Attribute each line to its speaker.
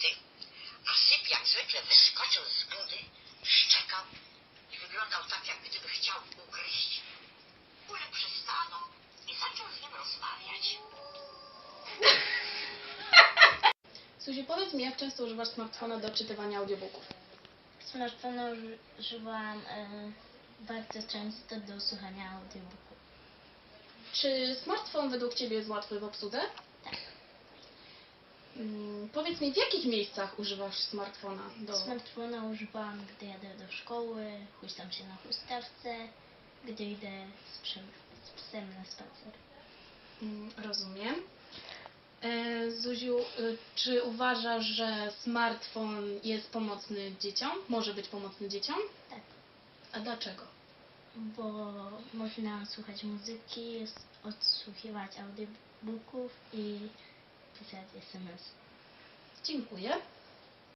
Speaker 1: buty, a Syp jak zwykle wyskoczył z budy, szczekał i wyglądał tak, jak gdyby chciał ugryźć. Ulek przystanął i zaczął z nim rozmawiać.
Speaker 2: Zuziu, powiedz mi, jak często używasz smartfona do czytywania audiobooków?
Speaker 3: Smartfona używam bardzo często do słuchania audiobooków.
Speaker 2: Czy smartfon według Ciebie jest łatwy w obsłudze?
Speaker 3: Tak.
Speaker 2: Powiedz mi, w jakich miejscach używasz smartfona?
Speaker 3: Smartfona używam, gdy jadę do szkoły, huśtam się na huśtawce, gdy idę z psem na spacer.
Speaker 2: Rozumiem. Zuziu, czy uważasz, że smartfon jest pomocny dzieciom? Może być pomocny dzieciom?
Speaker 3: Tak,
Speaker 2: A dlaczego?
Speaker 3: bo można słuchać muzyki, odsłuchiwać audiobooków i pisać SMS.
Speaker 2: Dziękuję.